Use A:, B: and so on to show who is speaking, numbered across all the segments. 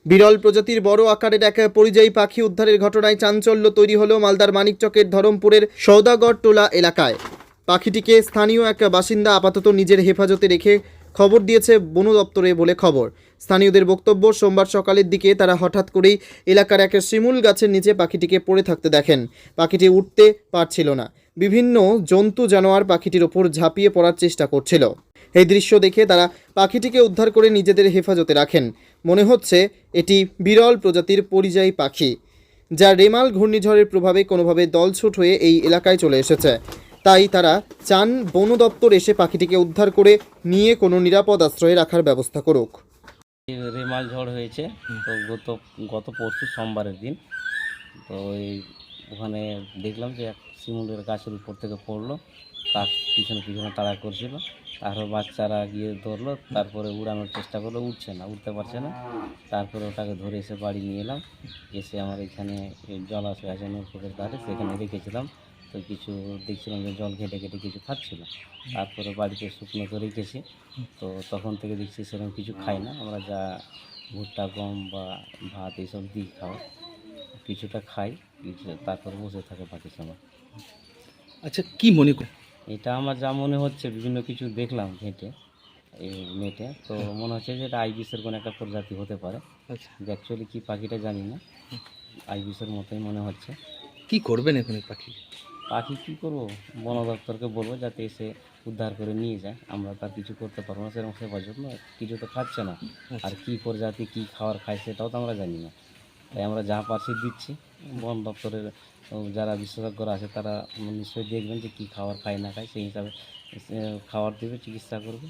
A: বিরল প্রজাতির বড় আকারের এক পরিযায়ী পাখি উদ্ধারের ঘটনায় চাঞ্চল্য তৈরি হলো মালদার মানিকচকের ধরমপুরের সওদাগর টোলা এলাকায়। পাখিটিকে স্থানীয় এক বাসিন্দা আপাতত নিজের হেফাজতে রেখে খবর দিয়েছে বন দপ্তরে বলে খবর। স্থানীয়দের বক্তব্য, সোমবার সকালের দিকে তারা হঠাৎ করেই এলাকার এক শিমুল গাছের নিচে পাখিটিকে পড়ে থাকতে দেখেন। পাখিটি উঠতে পারছিল না। বিভিন্ন জন্তু জানোয়ার পাখিটির ওপর ঝাঁপিয়ে পড়ার চেষ্টা করছিল। এই দৃশ্য দেখে তারা পাখিটিকে উদ্ধার করে নিজেদের হেফাজতে রাখেন। মনে হচ্ছে এটি বিরল প্রজাতির পরিযায়ী পাখি, যা রেমাল ঘূর্ণিঝড়ের প্রভাবে কোনোভাবে দলছুট হয়ে এই এলাকায় চলে এসেছে। তাই তারা চান বন দপ্তর এসে পাখিটিকে উদ্ধার করে নিয়ে কোনো নিরাপদ আশ্রয়ে রাখার ব্যবস্থা করুক।
B: রেমাল ঝড় হয়েছে তো গত পরশু সোমবারের দিন। তো ওখানে দেখলাম যে এক শিমুলের গাছের উপর থেকে পড়লো, কাক পিছনে পিছনে তাড়া করছিল। তারপর বাচ্চারা গিয়ে ধরলো, তারপরে উড়ানোর চেষ্টা করলো, উঠতে পারছে না। তারপরে ওটাকে ধরে এসে বাড়ি নিয়ে এলাম। এসে আমার এখানে জলাশয় আছে নৌকোকের ধারে, সেখানে রেখেছিলাম। তো কিছু দেখছিলাম যে জল ঘেটে ঘেটে কিছু খাচ্ছিল। তারপরে বাড়িতে শুকনো করে রেখেছি। তো তখন থেকে দেখছি সেরকম কিছু খাই না। আমরা যা ভুট্টা, গম বা ভাত এইসব দিই খাওয়া, কিছুটা খাই, তারপর বসে থাকে বাকি সময়।
C: আচ্ছা, কি মনে কর?
B: এটা আমার যা মনে হচ্ছে, বিভিন্ন কিছু দেখলাম ঘেঁটে এই নেটে, তো মনে হচ্ছে যে এটা আইবিসের কোনো একটা প্রজাতি হতে পারে।
C: আচ্ছা,
B: অ্যাকচুয়ালি কী পাখিটা জানি না, আইবিসের মতোই মনে হচ্ছে।
C: কি করবেন এখন এই পাখি?
B: পাখি কী করবো, বন দপ্তরকে বলবো যাতে এসে উদ্ধার করে নিয়ে যায়। আমরা তার কিছু করতে পারবো না, সেরকম সেবার জন্য কিছু তো খাচ্ছে না। আর কী প্রজাতি কী খাবার খায় সেটাও তো আমরা জানি না। তাই আমরা যা পারছি দিচ্ছি। বন দপ্তরের যারা বিশেষজ্ঞরা আছে তারা নিশ্চয়ই দেখবেন যে কী খাবার খায় না খায়, সেই হিসাবে খাবার দেবে, চিকিৎসা করবে।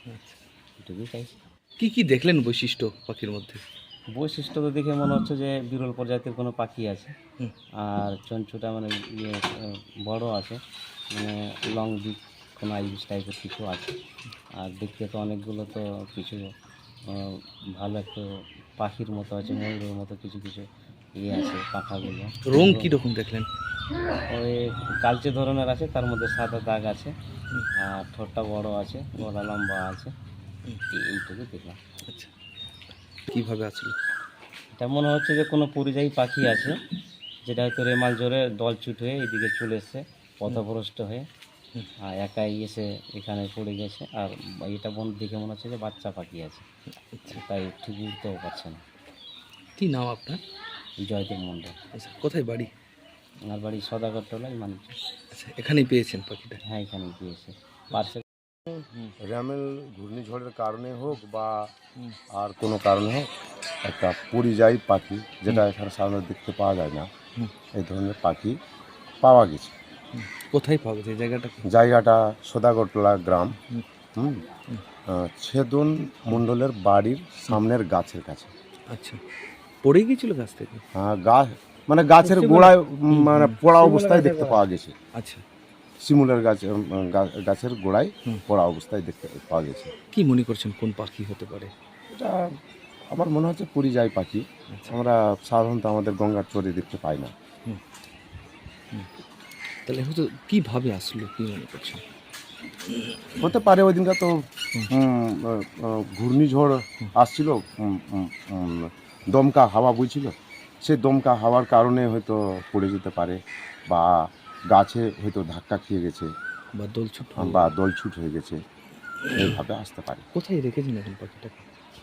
B: এটুকুই চাইছি।
C: কি কি দেখলেন বৈশিষ্ট্য পাখির মধ্যে?
B: বৈশিষ্ট্য তো দেখে মনে হচ্ছে যে বিরল প্রজাতির কোনো পাখি আছে।
C: হুম।
B: আর চঞ্চুটা মানে বড় আছে, মানে লং বিক কোনো আইবিস টাইপের কিছু আছে। আর দেখতে তো অনেকগুলো তো কিছু ভালো একটা পাখির মতো আছে, ময়ূরের মতো কিছু কিছু আছে পাখাগুলো।
C: রং কীরকম দেখলেন?
B: ওই কালচে ধরনের আছে, তার মধ্যে সাদা দাগ আছে। আর ঠোঁটটা বড় আছে, গলা লম্বা আছে। এইটুকু দেখলাম।
C: আচ্ছা, কীভাবে আসলো?
B: এটা মনে হচ্ছে যে কোনো পরিযায়ী পাখি আছে, যেটা হয়তো রেমাল ঝড়ে দলছুট হয়ে এদিকে চলে এসছে, পথভ্রষ্ট হয়ে। আর একাই এসে এখানে পড়ে গেছে। আর এটা দেখে মনে হচ্ছে যে বাচ্চা পাখি আছে, তাই ঠিক উঠতেও পারছে না।
C: কি নাম আপনার?
B: জয়দেব মণ্ডল।
C: আচ্ছা, কোথায় বাড়ি?
B: আমার বাড়ি সদাগর টোলায় মানিক।
C: আচ্ছা, এখানেই পেয়েছেন পাখিটা?
B: হ্যাঁ, এখানে গিয়েছে পার্সে।
D: র্যামেল ঘূর্ণিঝড়ের কারণে হোক বা আর কোনো কারণে হোক, একটা পরিযায়ী পাখি, যেটা এখানে সাধারণত দেখতে পাওয়া যায় না, এই ধরনের পাখি পাওয়া গেছে।
C: কোথায় পাওয়া গেছে জায়গাটা?
D: জায়গাটা সদাগরটোলা গ্রাম, ছেদন মণ্ডলের বাড়ির সামনের গাছের কাছে।
C: আচ্ছা, পড়ে গিয়েছিল গাছ থেকে?
D: হ্যাঁ, গাছ মানে গাছের গোড়ায়, মানে পড়া অবস্থায় দেখতে পাওয়া গেছে।
C: আচ্ছা,
D: শিমুলের গাছের গোড়ায় পড়া অবস্থায় দেখতে পাওয়া গেছে।
C: কি মনে করছেন কোন পাখি হতে পারে?
D: এটা আমার মনে হচ্ছে পরিযায়ী পাখি। আমরা সাধারণত আমাদের গঙ্গার চরে দেখতে পাই না।
C: তাহলে হয়তো কীভাবে আসলো, কি মনে করছেন?
D: হতে পারে ওই দিনটা তো ঘূর্ণিঝড় আসছিল, দমকা হাওয়া বইছিল, সেই দমকা হাওয়ার কারণে হয়তো পড়ে যেতে পারে, বা গাছে হয়তো ধাক্কা খেয়ে গেছে, বা দলছুট হয়ে গেছে, এইভাবে আসতে পারে।
C: কোথায় রেখেছেন এখন পাখিটাকে?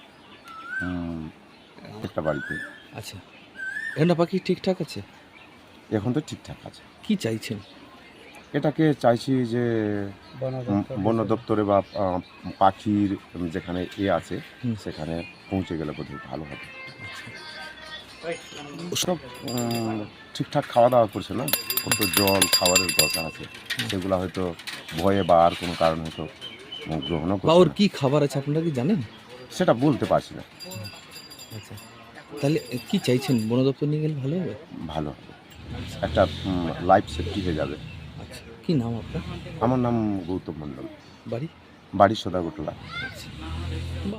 D: একটা বাড়িতে।
C: আচ্ছা, এখন পাখি ঠিকঠাক আছে?
D: এখন তো ঠিকঠাক আছে।
C: কি চাইছেন?
D: এটাকে চাইছি যে বন দপ্তরে বা পাখির যেখানে আছে সেখানে পৌঁছে গেলে বোধহয় ভালো হবে। ওসব ঠিকঠাক খাওয়া দাওয়া করছে না, কত জল খাবারের দরকার আছে, সেগুলো হয়তো ভয়ে বা আর কোনো কারণে হয়তো গ্রহণও করছে।
C: ওর কি খাবার আছে আপনারা কি জানেন?
D: সেটা বলতে পারছি না।
C: আচ্ছা, তাহলে কি চাইছেন, বন দপ্তর নিয়ে গেলে ভালো হবে?
D: ভালো হবে, একটা লাইফ সেফটি হয়ে যাবে।
C: আচ্ছা, কি নাম আপনার?
D: আমার নাম গৌতম মণ্ডল,
C: বাড়ি?
D: বাড়ি সদাগরটোলা।
C: আচ্ছা।